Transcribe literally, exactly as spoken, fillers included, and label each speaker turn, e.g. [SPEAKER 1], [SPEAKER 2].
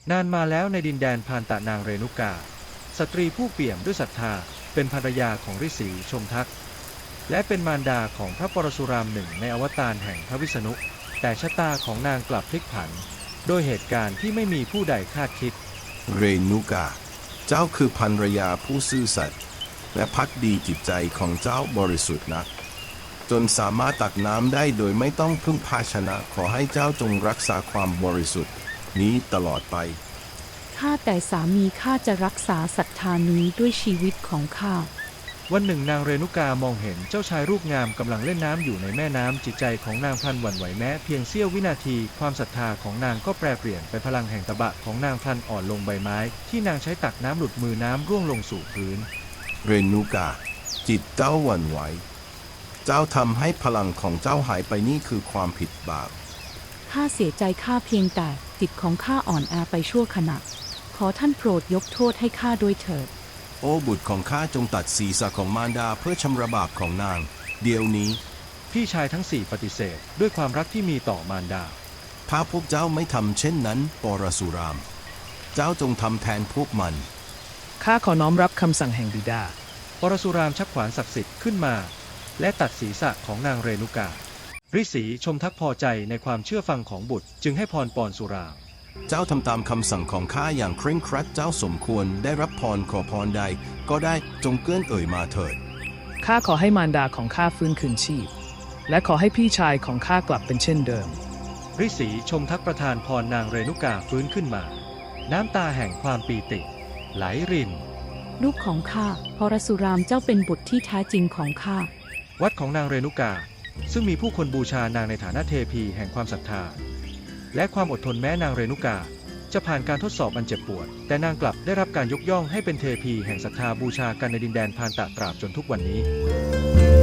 [SPEAKER 1] นานมาแล้วในดินแดนพานตะนางเรนุกาสตรีผู้เปี่ยมด้วยศรัทธาเป็นภรรยาของฤาษีชมทักและเป็นมารดาของพระปรสุรามหนึ่งในอวตารแห่งพระวิษณุแต่ชะตาของนางกลับพลิกผันโดยเหตุการณ์ที่ไม่มีผู้ใดคาดคิด
[SPEAKER 2] เรนุกาเจ้าคือภรรยาผู้ซื่อสัตย์และภักดีจิตใจของเจ้าบริสุทธิ์นักจนสามารถตักน้ำได้โดยไม่ต้องพึ่งภาชนะขอให้เจ้าจงรักษาความบริสุทธิ์นี้ตลอดไป
[SPEAKER 3] ข้าแต่สามีข้าจะรักษาศรัทธานี้ด้วยชีวิตของข้า
[SPEAKER 1] วันหนึ่งนางเรนุกามองเห็นเจ้าชายรูปงามกำลังเล่นน้ำอยู่ในแม่น้ำจิตใจของนางพลันหวั่นไหวแม้เพียงเสี้ยววินาทีความศรัทธาของนางก็แปรเปลี่ยนเป็นพลังแห่งตบะของนางพลันอ่อนลงใบไม้ที่นางใช้ตักน้ำหลุดมือน้ำร่วงลงสู่พื้น
[SPEAKER 2] เรนุกาจิตเจ้าหวั่นไหวเจ้าทำให้พลังของเจ้าหายไปนี่คือความผิดบาป
[SPEAKER 3] ข้าเสียใจข้าเพียงแต่จิตของข้าอ่อนแอไปชั่วขณะขอท่านโปรดยกโทษให้ข้าด้วยเถิด
[SPEAKER 2] โอ้บุตรของข้าจงตัดศีรษะของมารดาเพื่อชำระบาปของนางเดี๋ยวนี้
[SPEAKER 1] พี่ชายทั้งสี่ปฏิเสธด้วยความรักที่มีต่อมารดา
[SPEAKER 2] ถ้าพวกเจ้าไม่ทำเช่นนั้นปรสุรามเจ้าจงทำแทนพวกมัน
[SPEAKER 4] ข้าขอน้อมรับคำสั่งแห่งบิดา
[SPEAKER 1] ปรสุรามชักขวานศักดิ์สิทธิ์ขึ้นมาและตัดศีรษะของนางเรนุกาฤาษีชมทักพอใจในความเชื่อฟังของบุตรจึงให้พรปรสุราม
[SPEAKER 2] เจ้าทำตามคำสั่งของข้าอย่างเคร่งครัดเจ้าสมควรได้รับพรขอพรใดก็ได้จงเกื้อนเอ่ยมาเถิด
[SPEAKER 4] ข้าขอให้มารดาของข้าฟื้นคืนชีพและขอให้พี่ชายของข้ากลับเป็นเช่นเดิม
[SPEAKER 1] ฤาษีชมทักประทานพรนางเรนุกาฟื้นขึ้นมาน้ำตาแห่งความปีติไหลริน
[SPEAKER 3] ลูกของข้าปรสุรามเจ้าเป็นบุตรที่แท้จริงของข้า
[SPEAKER 1] วัดของนางเรนุกาซึ่งมีผู้คนบูชานางในฐานะเทพีแห่งความศรัทธาและความอดทนแม้นางเรนุกาจะผ่านการทดสอบอันเจ็บปวดแต่นางกลับได้รับการยกย่องให้เป็นเทพีแห่งศรัทธาบูชากันในดินแดนพานตะตราบจนทุกวันนี้